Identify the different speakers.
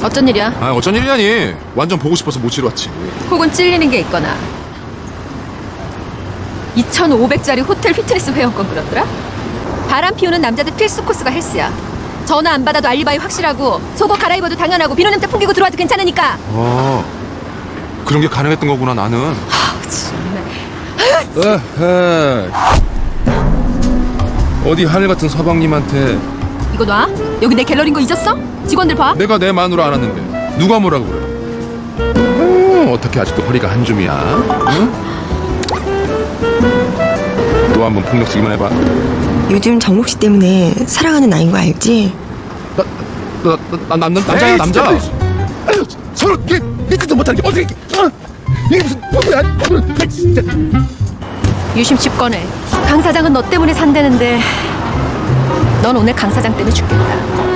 Speaker 1: 어쩐 일이야?
Speaker 2: 아, 어쩐 일이라니. 완전 보고 싶어서 모시러 왔지.
Speaker 1: 혹은 찔리는 게 있거나. 2,500짜리 호텔 피트니스 회원권 그렇더라? 바람 피우는 남자들 필수 코스가 헬스야. 전화 안 받아도 알리바이 확실하고, 속옷 갈아입어도 당연하고, 비누 냄새 풍기고 들어와도 괜찮으니까.
Speaker 2: 그런 게 가능했던 거구나, 나는.
Speaker 1: 정말.
Speaker 2: 에헤. 어디 하늘 같은 서방님한테
Speaker 1: 이거 놔? 여기 내 갤러리인 거 잊었어? 직원들 봐.
Speaker 2: 내가 내 마누라 알았는데 누가 뭐라고 그래? 어떻게 아직도 허리가 한 줌이야? 응? 또 한번 폭력 쓰기만 해봐.
Speaker 3: 요즘 정록 씨 때문에 사랑하는 나인 거 알지?
Speaker 2: 남자야, 남자.
Speaker 4: 아유, 서로 얘기도 못하는 게 어떻게 이게 무슨 뭐야? 진짜.
Speaker 1: 유심칩 꺼내. 강 사장은 너 때문에 산다는데 넌 오늘 강 사장 때문에 죽겠다.